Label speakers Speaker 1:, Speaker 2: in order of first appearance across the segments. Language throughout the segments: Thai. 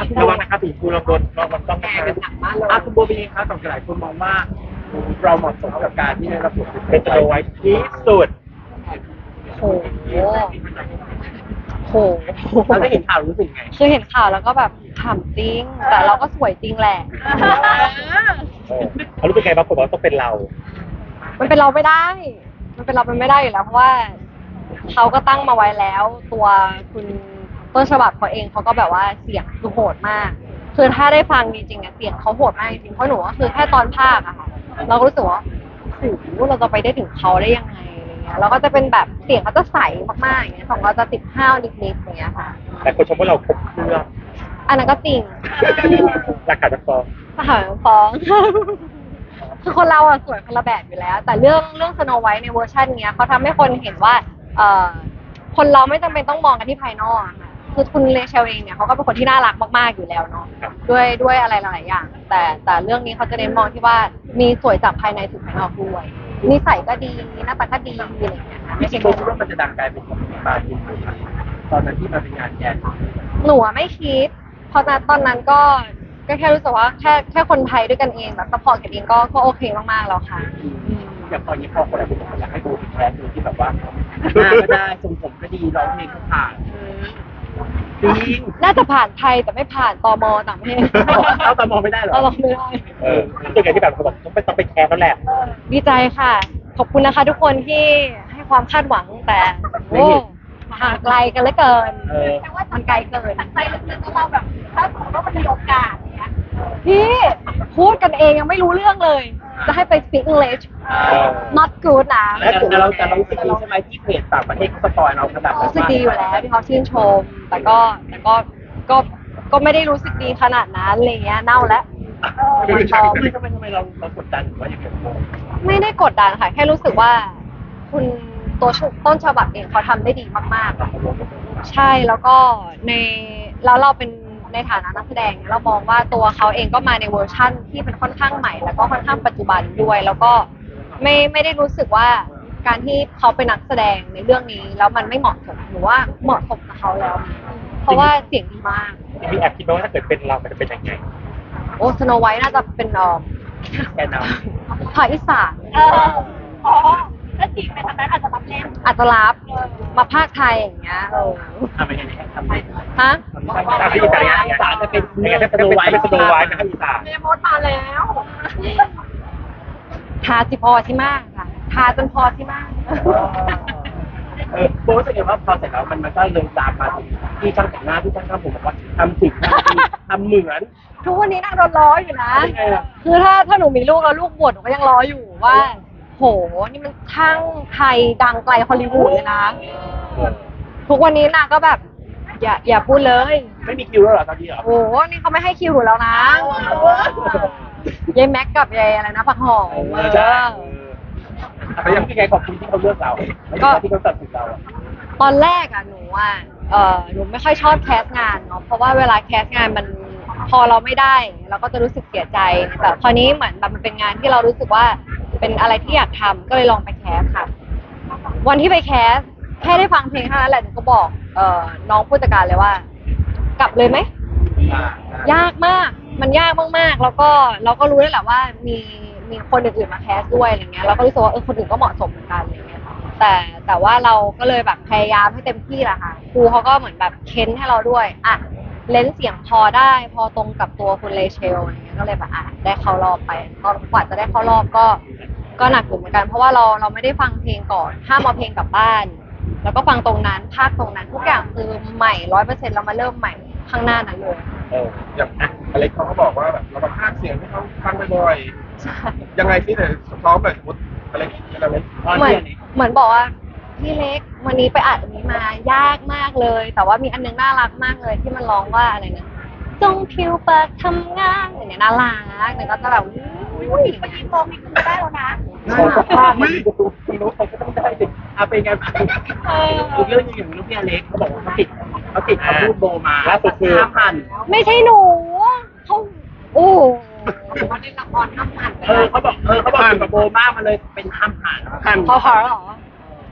Speaker 1: ระวังนะครับผีปูลองโดนลองมันต้องนะครับคุณโบเป็นยังไงครับสำหรับหลายคนมองว่าเราเหมาะสมกับการที่ได้รับบทเป็นสโนไวท์ที่สุด
Speaker 2: โหโห
Speaker 1: เราได้เห็นข่าวรู้สึกไง
Speaker 2: คือเห็นข่าวแล้วก็แบบถามจริง แต่เราก็สวยจริงแหละ
Speaker 1: เขารู้เป็นไงบางคนบอกว่าต้องเป็นเรา
Speaker 2: มันเป็นเราไม่ได้ มันเป็นเราเป็นไม่ได้อยู่แล้วเพราะว่าเขาก็ตั้งมาไว้แล้ว ตัวคุณต้นฉบับเขาเองเขาก็แบบว่าเสียงคือโหดมาก คือถ้าได้ฟังจริงๆอะเสียงเขาโหดมากจริงเพราะหนูก็คือแค่ตอนภาคอะค่ะเราก็รู้สึกว่าโอ้โหเราจะไปได้ถึงเขาได้ยังไงอะไรเงี้ยเราก็จะเป็นแบบเสียงเขาจะใสมากๆอย่างเงี้ยของเราจะติดห้าวนิดๆอย่างเงี้ยค่ะ
Speaker 1: แต่คนชมว่าเราครบเครื่อง
Speaker 2: อันนั้นก็จริง
Speaker 1: หลักการจะฟ้อง
Speaker 2: ทหารฟ้อง คือคนเราอะสวยคนละแบบอยู่แล้ว แต่เรื่องสโนไวท์ในเวอร์ชันเนี้ยเขาทำให้คนเห็นว่าคนเราไม่จำเป็นต้องมองกันที่ภายนอกอะค่ะคือคุณเลเชลเองเนี่ยเขาก็เป็นคนที่น่ารักมากๆอยู่แล้วเนาะด้วยอะไรหลายๆอย่าง แต่เรื่องนี้เขาจะเน้นมองที่ว่ามีสวยจากภายในสู่ภายนอกด้วยนิสัยก็ดีหน้าตาก็ดีอะไรอย่างเงี้ยค่ะ
Speaker 1: จริงๆโบคิดว่ามันจะดังกลายเป็นของปาจินตอนนั้นที่มาเป็นงานแกน
Speaker 2: หนูอะไม่คิด เพราะตอนนั้นก็แค่รู้สึกว่าแค่คนไทยด้วยกันเองแบบซัพพอร์ตกันเองก็โอเคมากๆแล้วค่ะ
Speaker 1: อย่างตอนนี้พอคนหลายคนบอกอยากให้โบเป็นแคสดูที่แบบว่าหน้าก็ได้ทรงผมก็ดีร้องเพลงก็ผ่านจริง
Speaker 2: น่าจะผ่านไทยแต่ไม่ผ่านตมต่างประเทศ
Speaker 1: เอาตามองไม่ได้เหรอ
Speaker 2: เราลองไม่ได้
Speaker 1: ส่วนใหญ่ที่แบบเขาบอกต้องไปแคสแล้วแหละ
Speaker 2: ดีใจค่ะ ขอบคุณนะคะทุกคนที่ให้ความคาดหวังแต่โอ้ห่างไกลกันเหลือเกินมันไกลเกิน
Speaker 3: ใจลึกๆก็เราแบบถ้าสมมติว่ามันมีโอกาสเนี้ย
Speaker 2: พี่พูดกันเองยังไม่รู้เรื่องเลย จะให้ไป speak English not good นะ
Speaker 1: แต่เรารู้สึกดีใช่ไหมที่เพจต่างประเทศเขาสปอยเราขนาดนั้น
Speaker 2: รู้สึกดีอยู่แล้วที่เขาชื่นชม แต่ก็ไม่ได้รู้สึกดีขนาดนั้นอะไรเงี้ยเน่าแล้ว
Speaker 1: ทำไมเรากดดันหรือว่าอย่างไร
Speaker 2: ไม่ได้กดดันค่ะ แค่รู้สึกว่า คุณตัวต้นฉบับเองเขาทำได้ดีมากๆ ใช่แล้วก็แล้วเราเป็นในฐานะนักแสดงเรามองว่าตัวเขาเองก็มาในเวอร์ชั่นที่เป็นค่อนข้างใหม่ แล้วก็ค่อนข้างปัจจุบันด้วย แล้วก็ไม่ได้รู้สึกว่าการที่เขาเป็นนักแสดงในเรื่องนี้แล้วมันไม่เหมาะสมหรือว่าเหมาะสมกับเขาแล้ว เพราะว่าเสียงดีมาก
Speaker 1: มีแอบคิดว่าถ้าเกิดเป็นเรามันจะเป็นยังไง
Speaker 2: โอ้สโนไวท์น่าจะเป็น
Speaker 1: แกนำ
Speaker 2: ภาคอีสาน
Speaker 3: อ๋อถ้าจีบไปทางนั้นอาจจะรับเล่น
Speaker 2: อาจจะรับมาภาคไทยอย่างเงี้ย
Speaker 1: ทำยังไงทำไง
Speaker 2: ฮะ
Speaker 1: ทำที่อีสานจะเป็นสโนไวท์นะครับอีสาน
Speaker 3: เมย์มดมาแล้ว
Speaker 2: ทาสิพอที่มากค่ะทาจนพอที่มาก
Speaker 1: โบรู้สึกไงว่าพอเสร็จแล้วมันก็เลยตามมาถึงที่ช่างแต่งหน้าที่ช่างทำผมบอกว่าทำถึงทำเหมือน
Speaker 2: ทุกวันนี้นางโดนล้ออยู่นะ
Speaker 1: ยังไงล่ะ
Speaker 2: คือถ้าหนูมีลูกแล้วลูกบวชหนูก็ยังล้ออยู่ว่า โห นี่มันช่างไทยดังไกลฮอลลีวูดเลยนะ ทุกวันนี้นางก็แบบ อย่าพูดเลย
Speaker 1: ไม่มีคิวแล้วเหรอตอนนี้เหรอ
Speaker 2: โอ้โหนี่เขาไม่ให้คิวหนูแล้วนะยายแม็กกับยายอะไรนะผักหอม
Speaker 1: ใช่แต่ยังไงขอบคุณที่เขาเลือกเราที่เขาตัดสินเรา
Speaker 2: ตอนแรกอะหนูหนูไม่ค่อยชอบแคสงานเนาะเพราะว่าเวลาแคสงานมันพอเราไม่ได้เราก็จะรู้สึกเสียใจแต่คราวนี้เหมือนแบบมันเป็นงานที่เรารู้สึกว่าเป็นอะไรที่อยากทำก็เลยลองไปแคสค่ะ วันที่ไปแคสแค่ได้ฟังเพลงเท่านั้นแหละหนูก็บอกน้องผู้จัดการเลยว่า กลับเลยไหมยากมากมันยากมากๆแล้วก็เราก็รู้ได้แหละว่ามีคนอื่นๆมาแคสด้วยอะไรเงี้ยเราก็รู้สึกว่าคนอื่นก็เหมาะสมเหมือนกันอะไรเงี้ยแต่ว่าเราก็เลยแบบพยายามให้เต็มที่แหละค่ะครูเขาก็เหมือนแบบเค้นให้เราด้วยอ่ะเลนส์เสียงพอได้พอตรงกับตัวคุณเลเชลอะไรเงี้ยก็เลยแบบได้เข้ารอบไปตอนกว่าจะได้เข้ารอบก็หนักอยู่เหมือนกันเพราะว่าเราไม่ได้ฟังเพลงก่อนห้ามเอาเพลงกลับบ้าน แล้วก็ฟังตรงนั้นภาคตรงนั้นทุกอย่างคือใหม่100%เรามาเริ่มใหม่ข้างหน้านั้นเลย
Speaker 4: อย่างอเล็กเขาก็บอกว่าแบบเราต้องพากย์เสียงให้เขาฟังบ่อย
Speaker 2: ใช่
Speaker 4: ๆยังไงที่เนี่ยซ้อมแบบสมมติอเล็กเป็นอเล็ก
Speaker 2: เหมือนบอกว่าพี่เล็กวันนี้ไปอัดอันนี้มายากมากเลย แต่ว่ามีอันนึงน่ารักมากเลยที่มันร้องว่าอะไรนะจงผิวปากทำงานอย่างเงี้ยน่ารักเนี่ยก็จะแบบอุ้ย
Speaker 3: เมื่อกี้โตมีคุณได้แล้วนะ
Speaker 1: ไม่รู้ใครก็ต้องได้สิเป็นไงอีกเรื่องนึงอย่างลูกพี่อเล็กเขาบอกว่าเขาติดคำพูดโบมาล่าสุดคือ5,000
Speaker 2: ไม่ใช่หนูเขาโอ้
Speaker 3: เขาได้ละครทำผ่าน
Speaker 1: เขาบอกเกี่ยวกับโบมากมาเลยเป็น5,000
Speaker 2: พอเหรอ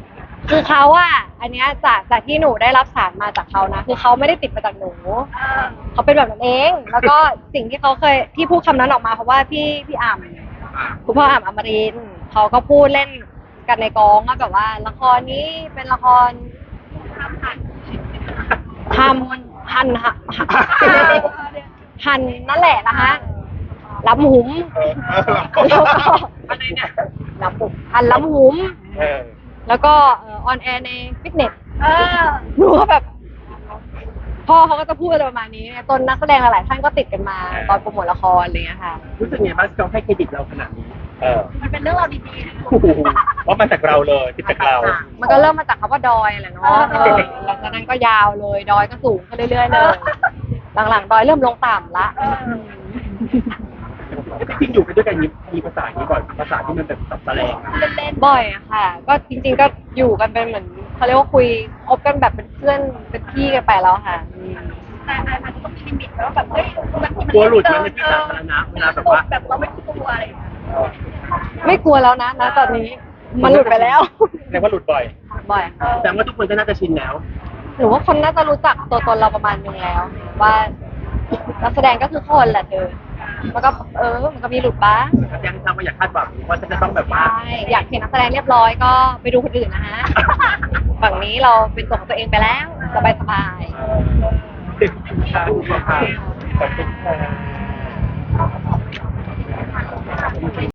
Speaker 2: คือเขาอะอันเนี้ยจากที่หนูได้รับสารมาจากเขานะคือเขาไม่ได้ติดมาจากหนู เขาเป็นแบบนั้นเอง แล้วก็สิ่งที่เขาเคยที่พูดคำนั้นออกมาเพราะว่าพี่อ่ำคุณพ่ออ่ำอมรินทร์เขาก็พูดเล่นกันในกองว่าแบบว่าละครนี้เป็นละครทำหั่นหั่นนั่นแหละนะคะลำหุมแล้วก็
Speaker 1: อะไรเนี่ย
Speaker 2: ลำหุมหั่นลำหุม
Speaker 4: เออ
Speaker 2: แล้วก็ออนแอร์ในฟิตเนส
Speaker 3: เออ
Speaker 2: หนูก็แบบพ่อเขาก็จะพูดอะไรประมาณนี้ตนนักแสดงหลายๆท่านก็ติดกันมาตอนโปรโมทละครอะไรอย่างเงี้ยค่ะ
Speaker 1: รู้สึกไงบ้างที่เขาให้เครดิตเราขนาดนี้
Speaker 3: มันเป็นเรื่องราวดีๆนะ
Speaker 4: เพราะมาจากเราเลยติดจากเรา
Speaker 2: มันก็เริ่มมาจากคำว่าดอยแหละเนาะหลังจากนั้นก็ยาวเลยดอยก็สูงขึ้นเรื่อยๆเลย หลังๆดอยเริ่มลงต่ำละ
Speaker 1: จริงๆอยู่กันด้วยกันมีภาษาอย่างนี้ก่อนภาษาที่มันแบบสับแสลงอะ
Speaker 3: เล่น
Speaker 2: บ่อยอะค่ะ ก็จริงๆก็อยู่กันเป็นเหมือนเขาเรียกว่าคุยคบกันแบบเป็นเพื่อนเป็นพี่กันไปแล้วค่ะ
Speaker 3: ๆแต่อาจจะต้องมีลิมิตแล้วแบบเฮ้ยบางที
Speaker 1: กลัวหลุดมันในที่สาธารณะเวลาแบบว่า
Speaker 3: แบบเราไม่กลัวอะไรอย่างเงี้ย
Speaker 2: ไม่กลัวแล้วนะตอนนี้มันหลุดไปแล้ว
Speaker 4: เรียกว่าหลุดบ่อย
Speaker 2: บ่อยค่ะ
Speaker 1: แต่ว่าทุกคนก็น่าจะชินแล้ว
Speaker 2: หรือว่าคนน่าจะรู้จักตัวตนเราประมาณนึงแล้ว ว่านักแสดงก็คือคนแหละเธอมันก็มันก็มีหลุดบ้าง
Speaker 1: ยังทำมาอยากคาดหวังว่าจะต้องแบบว่า
Speaker 2: ใช่อยากเห็นนักแสดงเรียบร้อยก็ไปดูคนอื่นนะฮะ ฝั่งนี้เราเป็นตัวของตัวเองไปแล้ว สบาย
Speaker 4: ติดค่ะขอบคุณค่ะ